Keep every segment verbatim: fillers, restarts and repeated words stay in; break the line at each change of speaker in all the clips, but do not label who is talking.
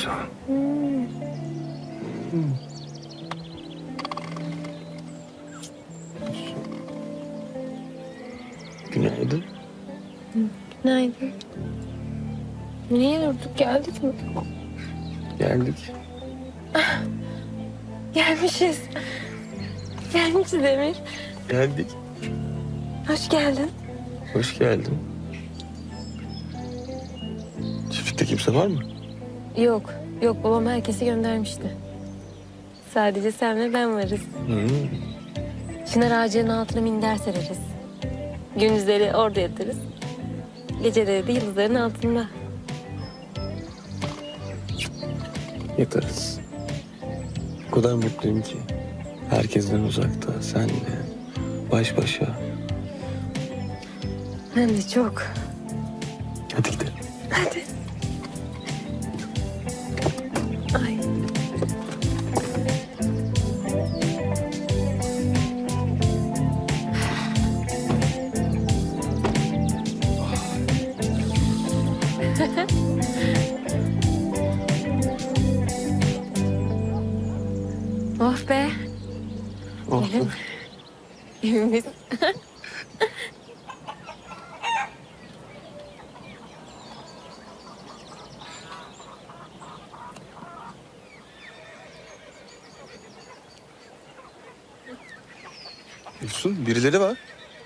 Efsun.
Hmm.
Hmm. Günaydın.
Günaydın. Niye durduk? Geldik mi?
Geldik.
Gelmişiz. Gelmişiz Emir.
Geldik.
Hoş geldin.
Hoş geldin. Çiftlikte kimse var mı?
Yok, yok. Babam herkesi göndermişti. Sadece sen ve ben varız.
Hmm.
Çınar ağacının altına minder sereriz. Gündüzleri orada yatarız. Geceleri de yıldızların altında.
Yatarız. O kadar mutluyum ki. Herkesten uzakta, senle, baş başa.
Ben de çok.
Hadi gidelim.
Hadi. Ay. Oh be.
Oh.
Gelin. Evimiz.
Efsun, birileri var.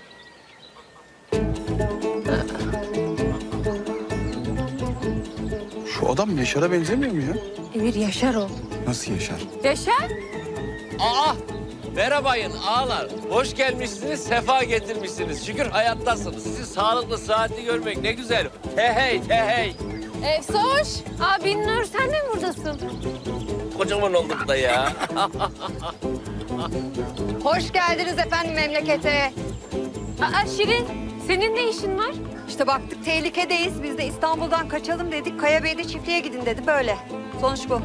Şu adam Yaşar'a benzemiyor mu ya?
Emir Yaşar o.
Nasıl Yaşar?
Yaşar?
Aa! Merhabayın ağalar. Hoş gelmişsiniz, sefa getirmişsiniz. Şükür hayattasınız. Sizi sağlıklı, sıhhatli görmek ne güzel. He hey, he hey.
Efsoş. Aa Binnur sen de mi buradasın?
Kocaman olduk da ya.
Hoş geldiniz efendim memlekete.
Aa Şirin senin ne işin var?
İşte baktık tehlikedeyiz. Biz de İstanbul'dan kaçalım dedik. Kaya Bey de çiftliğe gidin dedi böyle. Sonuç bu.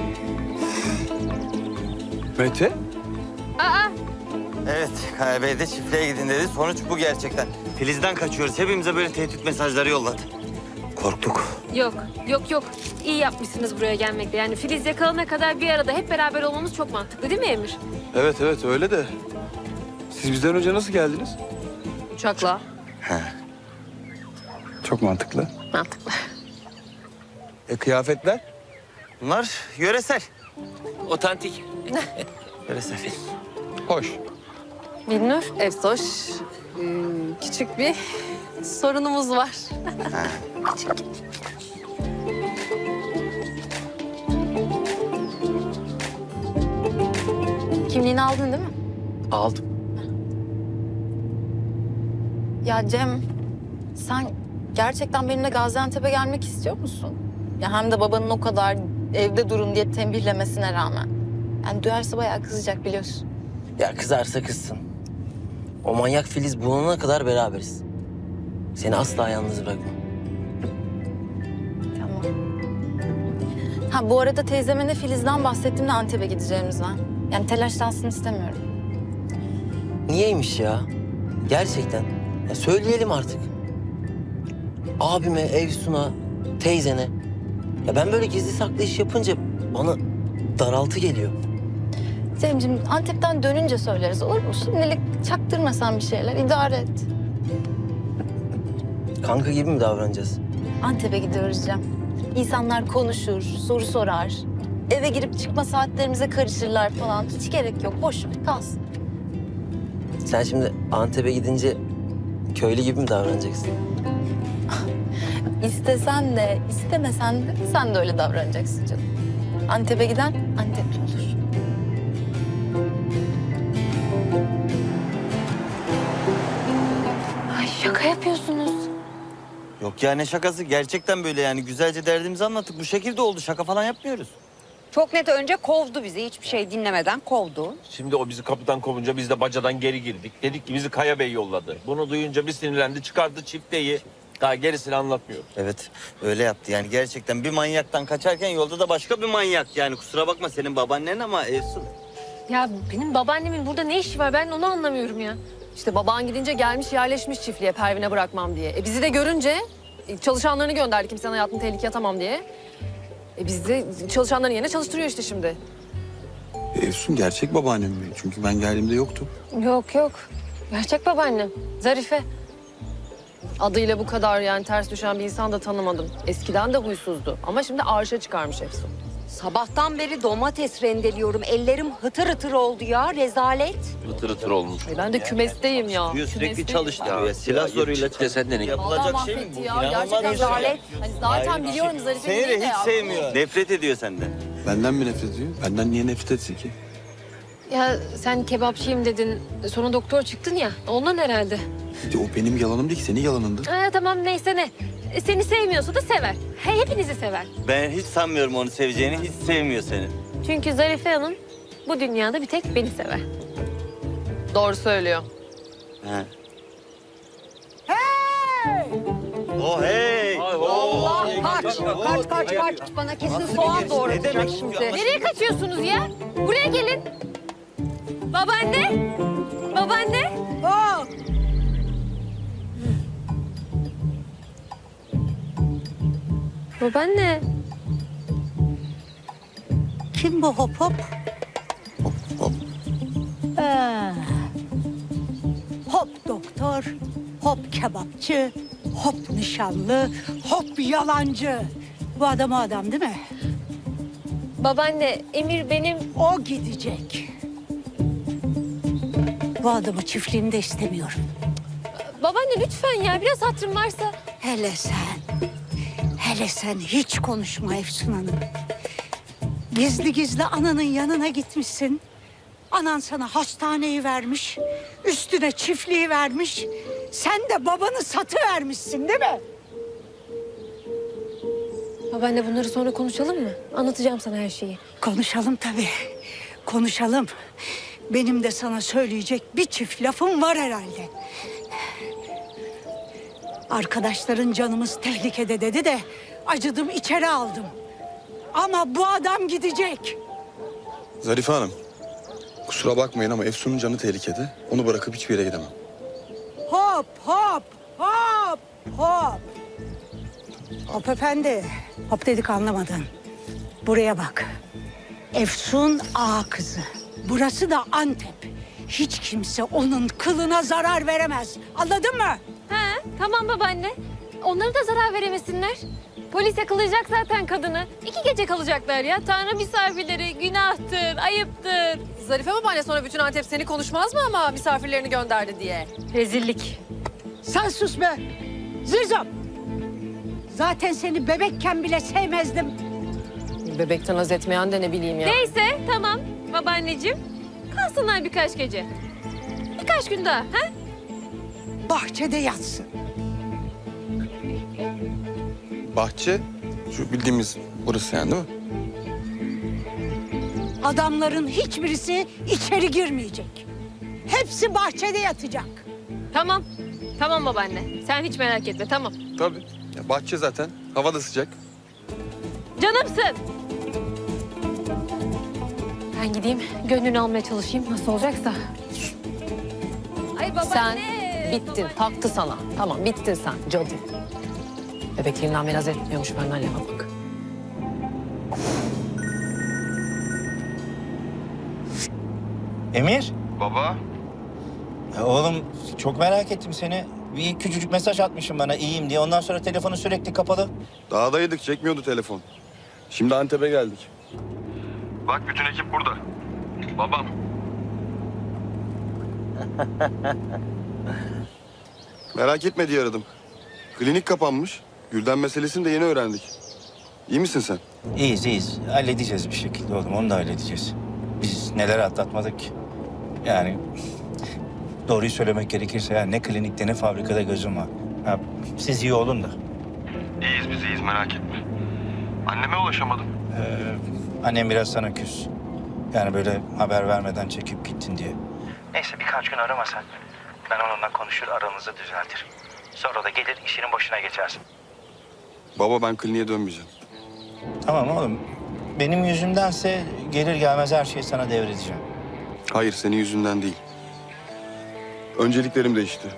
Mete?
Aa
Evet, Kaya Bey de çiftliğe gidin dedi. Sonuç bu gerçekten. Filiz'den kaçıyoruz. Hepimize böyle tehdit mesajları yolladı. Korktuk.
yok yok yok. İyi yapmışsınız buraya gelmekte. Yani Filiz yakalana kadar bir arada hep beraber olmamız çok mantıklı değil mi Emir?
Evet evet öyle de. Siz bizden önce nasıl geldiniz?
Uçakla.
Çok mantıklı.
Mantıklı.
E kıyafetler?
Bunlar yöresel.
Otantik.
Yöresel.
Hoş.
Binnur.
Efsoş, küçük bir sorunumuz var.
Kimliğini aldın değil mi?
Aldım.
Ya Cem, sen gerçekten benimle Gaziantep'e gelmek istiyor musun? Ya hem de babanın o kadar evde durun diye tembihlemesine rağmen. Yani duyarsa bayağı kızacak biliyorsun.
Ya kızarsa kızsın. O manyak Filiz bulunana kadar beraberiz. Seni asla yalnız bırakmam.
Tamam. Ha bu arada teyzeme de Filiz'den bahsettim de Antep'e gideceğimizden. Yani telaşlansın istemiyorum.
Niyeymiş ya? Gerçekten. Ya söyleyelim artık. Abime, Efsun'a, teyzene. Ya ben böyle gizli saklı iş yapınca bana daraltı geliyor.
Cemciğim Antep'ten dönünce söyleriz olur mu? Şimdilik çaktırmasan bir şeyler idare et.
Kanka gibi mi davranacağız?
Antep'e gidiyoruz Cem. İnsanlar konuşur, soru sorar. Eve girip çıkma saatlerimize karışırlar falan. Hiç gerek yok. Boş ver, kalsın.
Sen şimdi Antep'e gidince köylü gibi mi davranacaksın?
İstesen de, istemesen de sen de öyle davranacaksın canım. Antep'e giden Antepli olur.
Ay şaka yapıyorsunuz.
Yok ya ne şakası? Gerçekten böyle yani. Güzelce derdimizi anlattık. Bu şekilde oldu. Şaka falan yapmıyoruz.
Çok net önce kovdu bizi. Hiçbir şey dinlemeden kovdu.
Şimdi o bizi kapıdan kovunca biz de bacadan geri girdik. Dedik ki bizi Kaya Bey yolladı. Bunu duyunca bir sinirlendi, çıkardı çifteyi. Daha gerisini anlatmıyorum.
Evet öyle yaptı. Yani gerçekten bir manyaktan kaçarken yolda da başka bir manyak. Yani kusura bakma senin babaannen ama Efsun.
Ya benim babaannemin burada ne işi var? Ben onu anlamıyorum ya.
İşte baban gidince gelmiş yerleşmiş çiftliğe Pervin'e bırakmam diye. E bizi de görünce e, çalışanlarını gönderdi kimsenin hayatını tehlikeye atamam diye. E biz de çalışanların yerine çalıştırıyor işte şimdi.
Efsun gerçek babaannem mi? Çünkü ben geldiğimde yoktu.
Yok yok. Gerçek babaannem. Zarife.
Adıyla bu kadar yani ters düşen bir insan da tanımadım. Eskiden de huysuzdu ama şimdi arşa çıkarmış Efsun.
Sabahtan beri domates rendeliyorum. Ellerim hıtır hıtır oldu ya. Rezalet.
Hıtır hıtır olmuş.
Ay ben de kümesteyim ya.
Diyor, sürekli
Kümesteyim.
çalıştırıyor ya. Silah zoruyla
Çık desen de ne?
Vallahi
yapılacak şey mi
mahvetti
bu?
ya.
İnanılmaz
Gerçekten
bir şey.
rezalet. Hani zaten
Hayır,
biliyorum
şey-
Zarife'nin
Seni
değil
de
de
hiç
ya.
sevmiyor. Nefret ediyor senden.
Benden mi nefret ediyor? Benden niye nefret etsin ki?
Ya sen kebapçıyım dedin. Sonra doktor çıktın ya. Ondan herhalde.
O benim yalanım değil ki, senin yalanındı.
Ha, tamam neyse ne. E, Seni sevmiyorsa da sever. He, hepinizi sever.
Ben hiç sanmıyorum onu seveceğini. Hiç sevmiyor seni.
Çünkü Zarife Hanım bu dünyada bir tek beni sever.
Doğru söylüyor.
He. Oh hey!
Allah kaç. Kaç kaç kaç. Bana kesin soğan doğratacak şimdi.
Nereye kaçıyorsunuz ya? Buraya gelin. Babaanne. Babaanne.
Hop.
Babaanne.
Kim bu hop hop?
Hop hop.
Ee, hop doktor, hop kebapçı, hop nişanlı, hop yalancı. Bu adam o adam değil mi?
Babaanne, Emir benim...
O gidecek. Bu adamı çiftliğinde istemiyorum.
Babaanne lütfen ya, biraz hatırım varsa.
Hele sen, hele sen hiç konuşma Efsun Hanım. Gizli gizli ananın yanına gitmişsin. Anan sana hastaneyi vermiş, üstüne çiftliği vermiş. Sen de babanı satıvermişsin değil mi?
Babaanne bunları sonra konuşalım mı? Anlatacağım sana her şeyi.
Konuşalım tabii, konuşalım. Benim de sana söyleyecek bir çift lafım var herhalde. Arkadaşların canımız tehlikede dedi de acıdım içeri aldım. Ama bu adam gidecek.
Zarife Hanım, kusura bakmayın ama Efsun'un canı tehlikede. Onu bırakıp hiçbir yere gidemem.
Hop hop hop hop. Hop efendi. Hop dedik anlamadın. Buraya bak. Efsun ağa kızı. Burası da Antep. Hiç kimse onun kılına zarar veremez. Anladın mı?
Ha, tamam babaanne. Onlara da zarar veremesinler. Polis yakalayacak zaten kadını. İki gece kalacaklar ya. Tanrı misafirleri günahtır, ayıptır.
Zarife babaanne sonra bütün Antep seni konuşmaz mı ama misafirlerini gönderdi diye?
Rezillik.
Sen sus be. Zizom. Zaten seni bebekken bile sevmezdim.
Bebekten haz etmeyen de ne bileyim ya.
Neyse tamam babaanneciğim. Kalsınlar birkaç gece. Birkaç gün daha. Ha?
Bahçede yatsın.
Bahçe, şu bildiğimiz burası yani değil mi?
Adamların hiçbirisi içeri girmeyecek. Hepsi bahçede yatacak.
Tamam. Tamam babaanne. Sen hiç merak etme tamam.
Tabii. Ya bahçe zaten, hava da sıcak.
Canımsın. Ben gideyim gönlünü almaya çalışayım nasıl olacaksa. Ay babaanne.
Sen bittin, taktı sana. Tamam, bittin sen cadı. Bebekliğinden beri haz etmiyormuş benden lafa bak.
Emir,
Baba.
ya oğlum çok merak ettim seni. Bir küçücük mesaj atmışım bana iyiyim diye. Ondan sonra telefonu sürekli kapalı.
Dağdaydık, çekmiyordu telefon. Şimdi Antep'e geldik.
Bak bütün ekip burada. Babam.
Merak etme diye aradım. Klinik kapanmış. Gülden meselesini de yeni öğrendik. İyi misin sen?
İyiyiz, iyiyiz. Halledeceğiz bir şekilde oğlum, onu da halledeceğiz. Biz neler atlatmadık ki. Yani doğruyu söylemek gerekirse yani ne klinikte ne fabrikada gözüm var. Ha, siz iyi olun da.
İyiyiz biz iyiyiz merak etme. Anneme ulaşamadım.
Ee, annem biraz sana küs. Yani böyle haber vermeden çekip gittin diye. Neyse birkaç gün aramasan. Ben onunla konuşur aranızı düzeltir. Sonra da gelir işinin başına geçersin.
Baba ben kliniğe dönmeyeceğim.
Tamam oğlum. Benim yüzümdense gelir gelmez her şeyi sana devredeceğim.
Hayır, senin yüzünden değil. Önceliklerim değişti.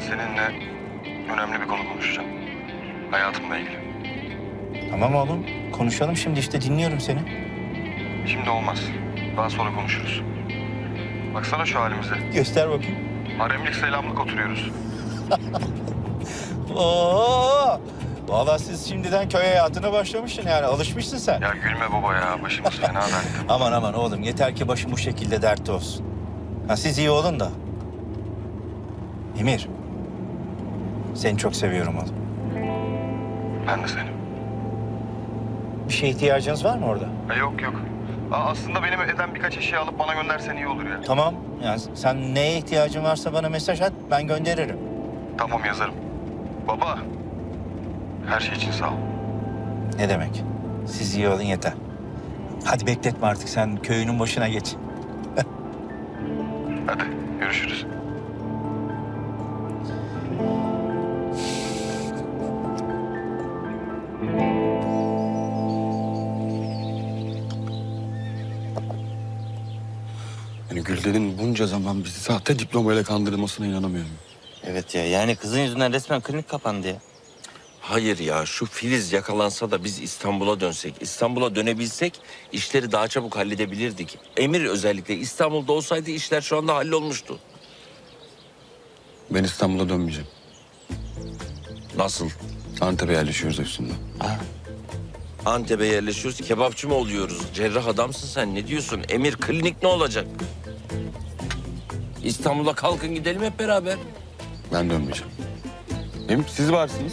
seninle önemli bir konu konuşacağım. Hayatımla ilgili.
Tamam oğlum. Konuşalım şimdi işte dinliyorum seni.
Şimdi olmaz. Daha sonra konuşuruz. Baksana şu halimize.
Göster bakayım.
Haremlik selamlık oturuyoruz.
Oo! Vallahi siz şimdiden köy hayatına başlamışsın yani alışmışsın sen.
Ya gülme baba ya. Başımız fena dertte.
Aman aman oğlum yeter ki başım bu şekilde dertte olsun. Ha siz iyi olun da. Emir. Seni çok seviyorum oğlum.
Ben de seni.
Bir şeye ihtiyacınız var mı orada?
Ha, yok yok. Aa, aslında benim evden birkaç eşya alıp bana göndersen iyi olur ya.
Tamam. Yani sen neye ihtiyacın varsa bana mesaj at ben gönderirim.
Tamam yazarım. Baba. Her şey için sağ ol.
Ne demek? Siz iyi olun yeter. Hadi bekletme artık sen köyünün başına geç.
Hadi görüşürüz.
Yani Gülden'in bunca zaman bizi sahte diplomayla kandırılmasına inanamıyorum.
Evet ya yani kızın yüzünden resmen klinik kapandı ya.
Hayır ya, şu Filiz yakalansa da biz İstanbul'a dönsek, İstanbul'a dönebilsek işleri daha çabuk halledebilirdik. Emir özellikle İstanbul'da olsaydı işler şu anda hallolmuştu.
Ben İstanbul'a dönmeyeceğim.
Nasıl?
Antep'e yerleşiyoruz Efsun'la.
Antep'e yerleşiyoruz, kebapçı mı oluyoruz? Cerrah adamsın sen, ne diyorsun? Emir, klinik ne olacak? İstanbul'a kalkın gidelim hep beraber.
Ben dönmeyeceğim. Hem siz varsınız.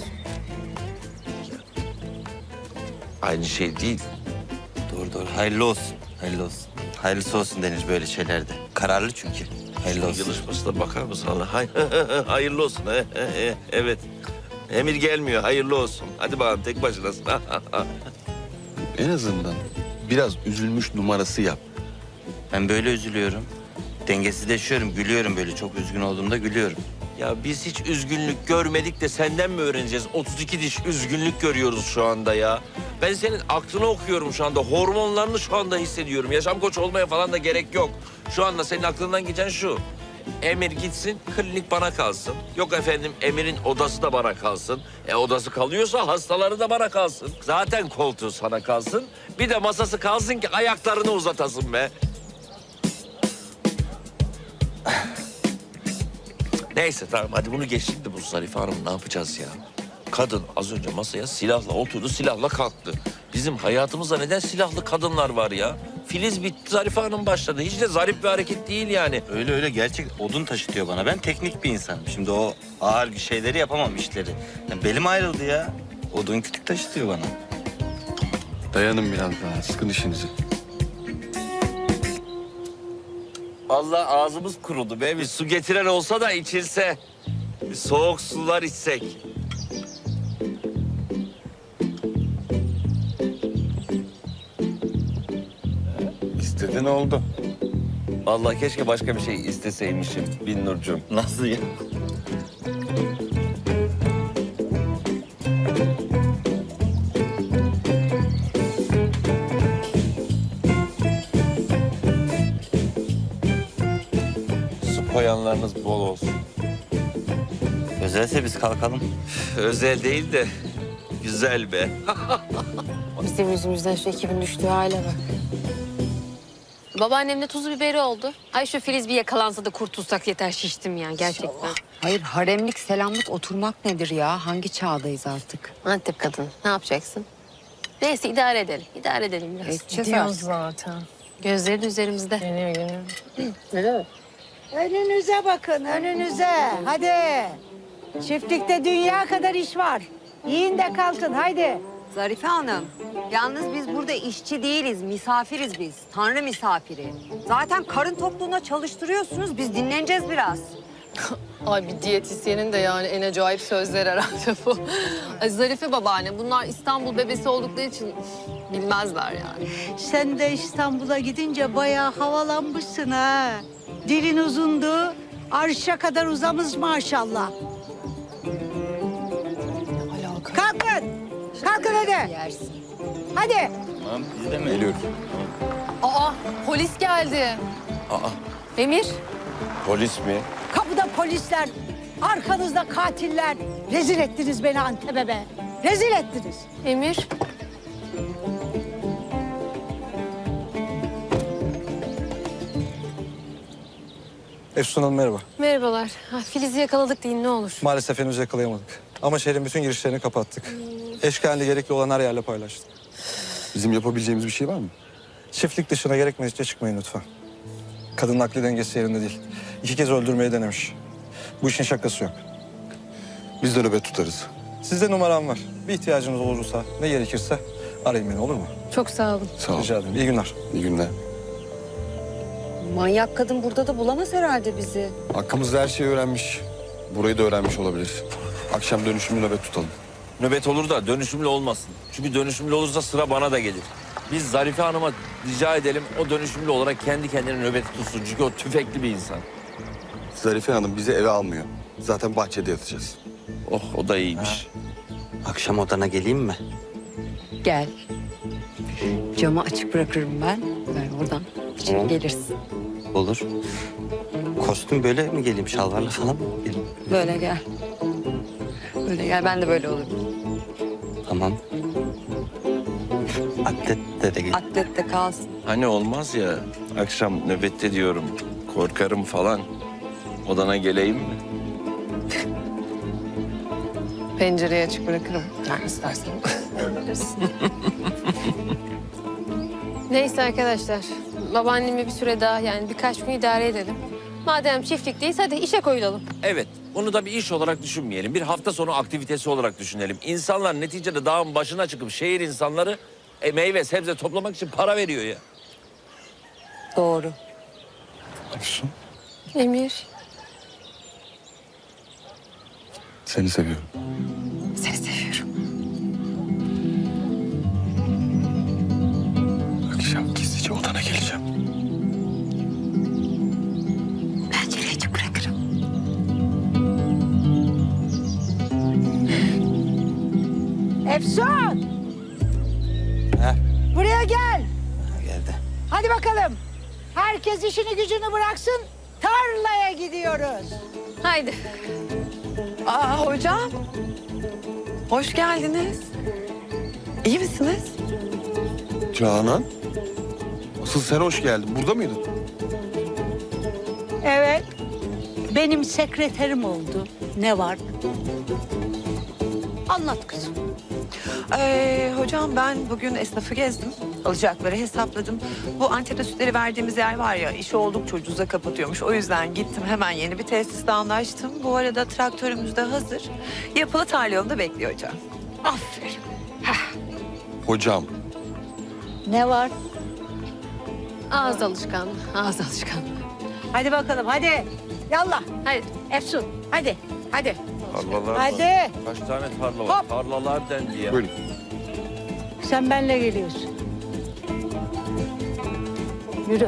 Aynı şey değil.
Doğru doğru hayırlı olsun. Hayırlı olsun. Hayırlısı olsun denir böyle şeylerde. Kararlı çünkü. Hayırlı olsun.
Yılışmasına bakar mısın Allah? Hay hayırlı olsun. Evet. Emir gelmiyor, hayırlı olsun. Hadi bakalım, tek başınasın.
En azından biraz üzülmüş numarası yap.
Ben böyle üzülüyorum. Dengesizleşiyorum, gülüyorum böyle. Çok üzgün olduğumda gülüyorum.
Ya biz hiç üzgünlük görmedik de senden mi öğreneceğiz? otuz iki diş üzgünlük görüyoruz şu anda ya. Ben senin aklını okuyorum şu anda. Hormonlarını şu anda hissediyorum. Yaşam koçu olmaya falan da gerek yok. Şu anda senin aklından geçen şu. Emir gitsin, klinik bana kalsın. Yok efendim, Emir'in odası da bana kalsın. E odası kalıyorsa hastaları da bana kalsın. Zaten koltuğu sana kalsın. Bir de masası kalsın ki ayaklarını uzatasın be. Neyse tamam, hadi bunu geç şimdi. Bu Zarife Hanım ne yapacağız ya? Kadın az önce masaya silahla oturdu, silahla kalktı. Bizim hayatımızda neden silahlı kadınlar var ya? Filiz bitti, Zarife Hanım başladı. Hiç de zarif bir hareket değil yani.
Öyle öyle gerçek odun taşıtıyor bana. Ben teknik bir insanım. Şimdi o ağır bir şeyleri yapamam işleri. Yani belim ayrıldı ya. Odun kütük taşıtıyor bana.
Dayanın biraz daha, sıkın işinizi.
Allah ağzımız kurudu be. Bir su getiren olsa da içilse. Bir soğuk sular içsek.
İstediğin oldu.
Vallahi keşke başka bir şey isteseymişim Binnurcuğum.
Nasıl ya?
Su koyanlarınız bol olsun.
Özelse biz kalkalım.
Özel değil de güzel be.
Bizim yüzümüzden şu ekibin düştüğü hale bak. Babaannemle tuzu biberi oldu. Ay şu Filiz bir yakalansa da kurtulsak yeter, şiştim ya gerçekten.
Hayır haremlik selamlık oturmak nedir ya? Hangi çağdayız artık?
Antep kadın, ne yapacaksın? Neyse idare edelim, idare edelim biraz.
Edeceğiz
Diyoruz
artık.
zaten.
Gözleri de üzerimizde.
Geliyor geliyor.
Öyle mi?
Önünüze bakın, önünüze. Hadi. Çiftlikte dünya kadar iş var. Yiyin de kalkın, haydi.
Zarife Hanım, yalnız biz burada işçi değiliz, misafiriz biz. Tanrı misafiri. Zaten karın tokluğuna çalıştırıyorsunuz, biz dinleneceğiz biraz.
Ay bir diyetisyenin de yani en acayip sözler herhalde bu. Ay Zarife babaanne bunlar İstanbul bebesi oldukları için bilmezler yani.
Sen de İstanbul'a gidince bayağı havalanmışsın ha. Dilin uzundu, arşa kadar uzamış maşallah.
Alaka.
Kalkın, kalkın hadi.
Yersin.
Hadi.
Tamam biz de mi?
Geliyorum.
Aa polis geldi.
Aa,
Emir,
polis mi?
Kapıda polisler. Arkanızda katiller. Rezil ettiniz beni Antep'e be. Rezil ettiniz.
Emir.
Efsun Hanım merhaba.
Merhabalar. Ha, Filiz'i yakaladık deyin ne olur.
Maalesef henüz yakalayamadık. Ama şehrin bütün girişlerini kapattık. Eşkalinde gerekli olan her yerle paylaştık.
Bizim yapabileceğimiz bir şey var mı?
Çiftlik dışına gerekmedikçe çıkmayın lütfen. Kadının akli dengesi yerinde değil. İki kez öldürmeyi denemiş. Bu işin şakası yok.
Biz de nöbet tutarız.
Sizde numaram var. Bir ihtiyacınız olursa ne gerekirse arayın beni, olur mu?
Çok sağ olun.
Sağ ol.
Rica ederim. İyi günler.
İyi günler.
Manyak kadın burada da bulamaz herhalde bizi.
Hakkımızda her şeyi öğrenmiş. Burayı da öğrenmiş olabilir. Akşam dönüşümlü nöbet tutalım.
Nöbet olur da dönüşümlü olmasın. Çünkü dönüşümlü olursa sıra bana da gelir. Biz Zarife Hanım'a rica edelim o dönüşümlü olarak kendi kendine nöbeti tutsun. Çünkü o tüfekli bir insan.
Zarife Hanım bizi eve almıyor. Zaten bahçede yatacağız.
Oh o da iyiymiş.
Akşam odana geleyim mi?
Gel. Camı açık bırakırım ben. Ben oradan içeri
Tamam.
gelirsin.
Olur. Kostüm böyle mi geleyim? Şalvarla falan mı geleyim?
Böyle gel. Böyle gel. Ben de böyle olurum.
Tamam. Atlet de gel.
Atlet de kalsın.
Hani olmaz ya akşam nöbette diyorum korkarım falan. Odana geleyim mi?
Pencereyi açık bırakırım. Yani istersen.
Neyse arkadaşlar. Babaannemi bir süre daha yani birkaç gün idare edelim. Madem çiftlikteyiz hadi işe koyulalım.
Evet bunu da bir iş olarak düşünmeyelim. Bir hafta sonu aktivitesi olarak düşünelim. İnsanlar neticede dağın başına çıkıp şehir insanları e, meyve sebze toplamak için para veriyor ya.
Doğru.
Efsun,
Emir.
seni seviyorum.
Seni seviyorum.
Akşam gizlice odana geleceğim.
Pencereyi açık bırakırım.
Efsun!
He.
Buraya gel.
Geldi.
Hadi bakalım. Herkes işini gücünü bıraksın. Tarlaya gidiyoruz.
Haydi.
Aa hocam. Hoş geldiniz. İyi misiniz?
Canan, asıl sen hoş geldin. Burada mıydın?
Evet. Benim sekreterim oldu. Ne var? Anlat kızım.
Ee, hocam ben bugün esnafı gezdim. Alacakları hesapladım. Bu Antep'te sütleri verdiğimiz yer var ya, işi oldukça ucuza kapatıyormuş. O yüzden gittim hemen yeni bir tesisle anlaştım. Bu arada traktörümüz de hazır. Yapılı tarla yolunda bekliyor hocam.
Aferin.
Hocam,
Ne var?
Ağız alışkanlığı. Ağız alışkanlığı.
Hadi bakalım hadi. Yallah.
Haydi.
Efsun hadi. Hadi.
Tarlalar
Hadi.
var. Kaç tane tarla var?
Hop.
Tarlalar dendi ya.
buyurun.
Sen benimle geliyorsun. Yürü.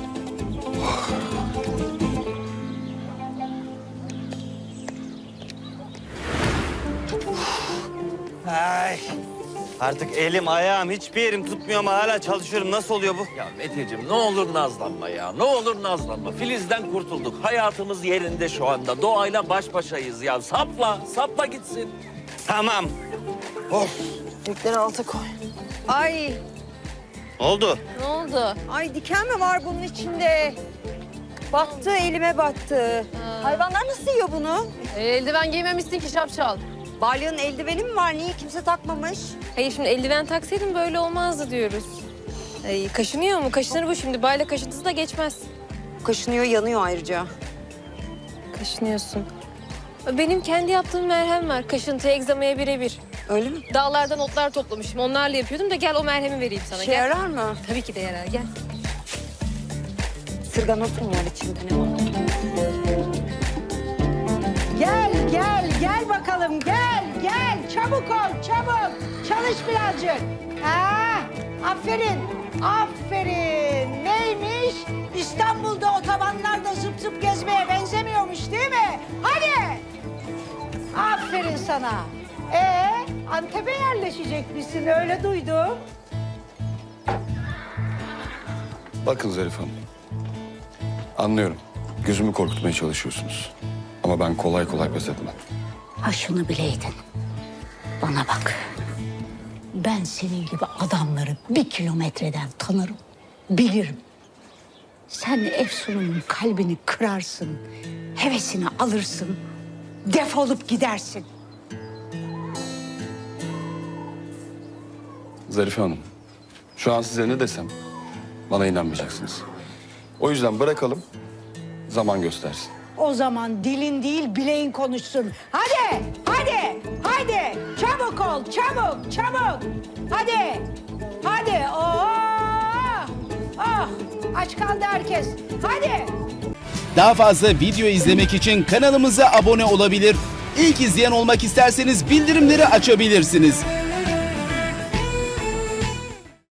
Ay. Artık elim ayağım hiçbir yerim tutmuyor ama hala çalışıyorum. Nasıl oluyor bu?
Ya Meteciğim ne olur nazlanma ya. Ne olur nazlanma. Filiz'den kurtulduk. Hayatımız yerinde şu anda. Doğayla baş başayız ya. Sapla, sapla gitsin.
Tamam.
Yükleri alta koy.
Ay,
Ne oldu?
Ne oldu?
ay diken mi var bunun içinde? Battı, elime battı. Hayvanlar nasıl yiyor bunu?
E, eldiven giymemişsin ki şapşal.
Balya'nın eldiveni mi var? Niye kimse takmamış?
Hayır şimdi eldiven taksaydın böyle olmazdı diyoruz. Ay, kaşınıyor mu? Kaşınır bu şimdi. Bayla kaşıntısı da geçmez.
Kaşınıyor, yanıyor ayrıca.
Kaşınıyorsun. Benim kendi yaptığım merhem var. Kaşıntı, egzamaya birebir.
Öyle mi?
Dağlardan otlar toplamışım. Onlarla yapıyordum da gel o merhemi vereyim sana.
Şey
Gel.
yarar mı?
Tabii ki de yarar. Gel.
Sırganot mu var içinde, ne var?
Gel gel gel bakalım gel gel. Çabuk ol çabuk. Çalış birazcık. Ha, aferin aferin. Neymiş? İstanbul'da otobanlarda zıp zıp gezmeye benzemiyormuş değil mi? Hadi. Aferin sana. Ee, Antep'e yerleşecekmişsin öyle duydum.
Bakın Zarif Hanım. Anlıyorum. Gözümü korkutmaya çalışıyorsunuz. Ama ben kolay kolay pes etmem.
Ha şunu bileydin. Bana bak. Ben senin gibi adamları bir kilometreden tanırım. Bilirim. Sen Efsun'un kalbini kırarsın. Hevesini alırsın. Defolup gidersin.
Zarife Hanım, şu an size ne desem bana inanmayacaksınız. O yüzden bırakalım, zaman göstersin.
O zaman dilin değil bileğin konuşsun. Hadi, hadi, hadi. Çabuk ol, çabuk, çabuk. Hadi, hadi. Oo, oh, aç kaldı herkes. Hadi.
Daha fazla video izlemek için kanalımıza abone olabilir. İlk izleyen olmak isterseniz bildirimleri açabilirsiniz.